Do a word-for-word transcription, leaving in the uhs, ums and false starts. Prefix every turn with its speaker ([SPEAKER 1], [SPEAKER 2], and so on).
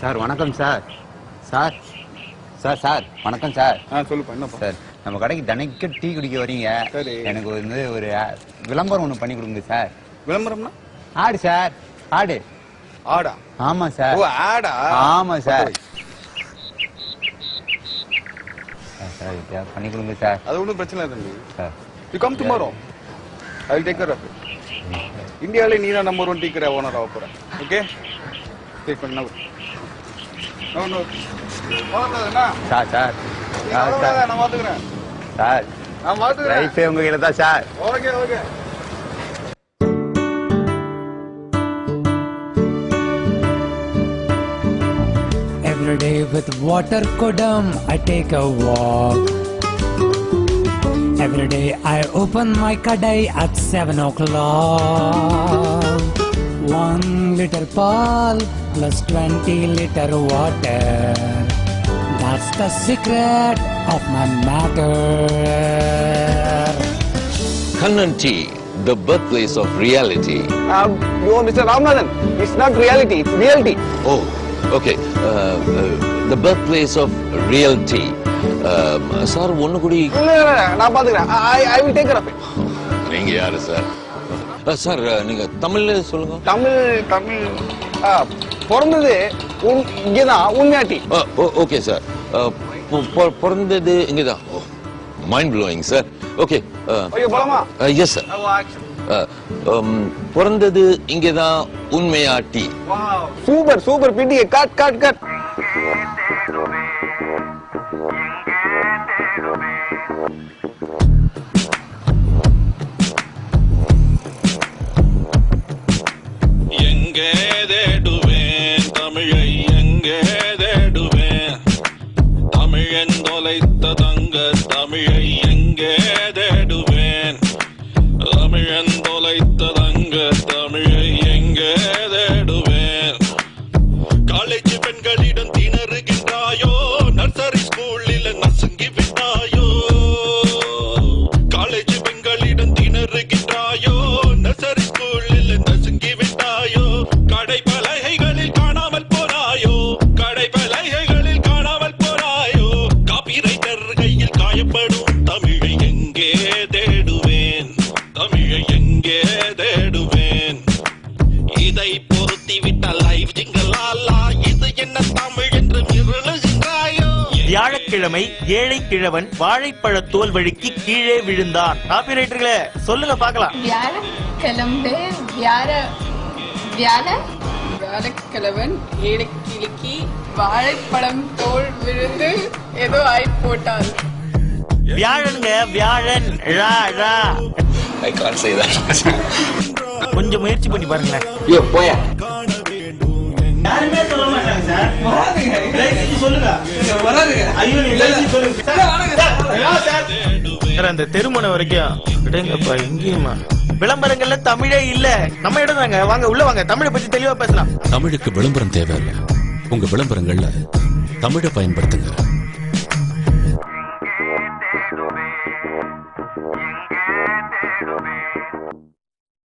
[SPEAKER 1] Sir வணக்கம் sir. Sir sir sir வணக்கம் sir.
[SPEAKER 2] ஆ சொல்லுப்பா. என்னப்பா
[SPEAKER 1] சார், நம்ம கடைக்கு தினைக்கு டீ குடிக்க வரீங்க.
[SPEAKER 2] சரி.
[SPEAKER 1] எனக்கு வந்து ஒரு விளம்பரம் ஒன்று பண்ணி கொடுங்க சார்.
[SPEAKER 2] விளம்பரம்னா?
[SPEAKER 1] ஆடு சார், ஆடு.
[SPEAKER 2] ஆடா?
[SPEAKER 1] ஆமா சார்.
[SPEAKER 2] ஓ ஆடா?
[SPEAKER 1] ஆமா சார். சார் பண்ணி கொடுங்க சார்.
[SPEAKER 2] அது ஒன்றும் பிரச்சனை இல்லை தம்பி.
[SPEAKER 1] Sir
[SPEAKER 2] you come tomorrow, I will take care of it. இந்தியாவிலே நீ தான் நம்பர் ஒன் டீ கடை ஓனர் ஆக போற. ஓகே, டேக் பண்ண. நோ நோ வாடா.
[SPEAKER 1] சார் சார் சார்
[SPEAKER 2] நான் பாத்துக்கிறேன்.
[SPEAKER 1] சார்
[SPEAKER 2] நான் பாத்துக்கிறேன்.
[SPEAKER 1] லைஃபே உங்க கையில தான் sir.
[SPEAKER 2] Okay okay.
[SPEAKER 3] Every day with water kodam I take a walk. Every day I open my kadai at seven o'clock. One liter pal plus twenty liter water. That's the secret of my matter.
[SPEAKER 4] Kannan Tea, the birthplace of reality.
[SPEAKER 2] Um, you Mister Ramanathan, it's not reality, it's reality.
[SPEAKER 4] Oh, okay. Uh, uh, the birthplace of real tea. Sir, ஒன்னு கூடி
[SPEAKER 2] இல்ல இல்ல நான் பாத்துக்கிறேன். I I will take care of it.
[SPEAKER 4] நீங்க யாரு sir? Sir நீங்க தமிழ்ல சொல்லுங்க.
[SPEAKER 2] தமிழ் தமிழ் பிறந்தது இங்கதான் உண்மையாட்டி.
[SPEAKER 4] Okay sir. பிறந்தது இங்கதான். Mind blowing sir. Okay.
[SPEAKER 2] Okay போலாமா?
[SPEAKER 4] Yes sir. பிறந்தது இங்கதான் உண்மையாட்டி.
[SPEAKER 2] சூப்பர் சூப்பர் பிடி. Cut cut cut.
[SPEAKER 5] எங்கே தேடுவேன் தமிழை, எங்கே தேடுவேன் தமிழன் தொலைத்த தங்க தமிழை, எங்கே தேடுவேன் தமிழன் தொலைத்த தங்க தமிழை, எங்கே தேடுவேன். காலேஜ் பெண்களிடம் திணறுகின்றாயோ, நர்சரி ஸ்கூலில் நசுங்கி விட்டாயோ. காலேஜ் பெண்களிடம் திணறுகின்றாயோ, நர்சரி ஸ்கூலில் நசுங்கி விட்டாயோ. கடை பலகைகளில் காணாமல் போனாயோ, கடை பலகைகளில் காணாமல் போனாயோ. காப்பிரைட்டர் கையில் காயப்படும் தமிழை எங்கே தேடுவேன், தமிழை எங்கே தேடுவேன். இதை பொருத்தி விட்ட லைவ் ஜிங்கலாலா, இது என்ன தமிழ் என்று மிருளுகின்றாயோ.
[SPEAKER 6] வியாழக்கிழமை ஏழை கிழவன் வாழைப்பழ தோல் வழுக்கி கீழே விழுந்தான். காப்பிரைட்டர்களே சொல்லுங்க பாக்கலாம்.
[SPEAKER 7] வியாழக்கிழமை வியாழ வியாழ வியாழக்கிழவன் ஏழை கிழக்கி வாழைப்பழம் தோல் விழுந்து ஏதோ ஆய் போட்டான்.
[SPEAKER 6] வியாழனுங்க வியாழன். ரா ரா.
[SPEAKER 4] I can't say that.
[SPEAKER 6] கொஞ்சம் முயற்சி பண்ணி பாருங்களேன்.
[SPEAKER 4] யோ போயா.
[SPEAKER 6] யாருமே சொல்ல மாட்டாங்க சார். வராதுங்க. லைசன்ஸ் சொல்லுங்க. வராதுங்க. ஐயோ நீ லைசன்ஸ் சொல்லுங்க. சார் வராதுங்க சார். சார். சார் அந்த தெருமனை வரைக்கும் விடுங்கப்பா. எங்கேயுமா விளம்பரங்கள்ல தமிழே இல்ல. நம்ம இடம் தாங்க. வாங்க உள்ள வாங்க. தமிழை பத்தி தெளிவா பேசலாம்.
[SPEAKER 8] தமிழுக்கு விளம்பரம் தேவையில்லை. உங்க விளம்பரங்கள்ல தமிழை பயன்படுத்துங்க.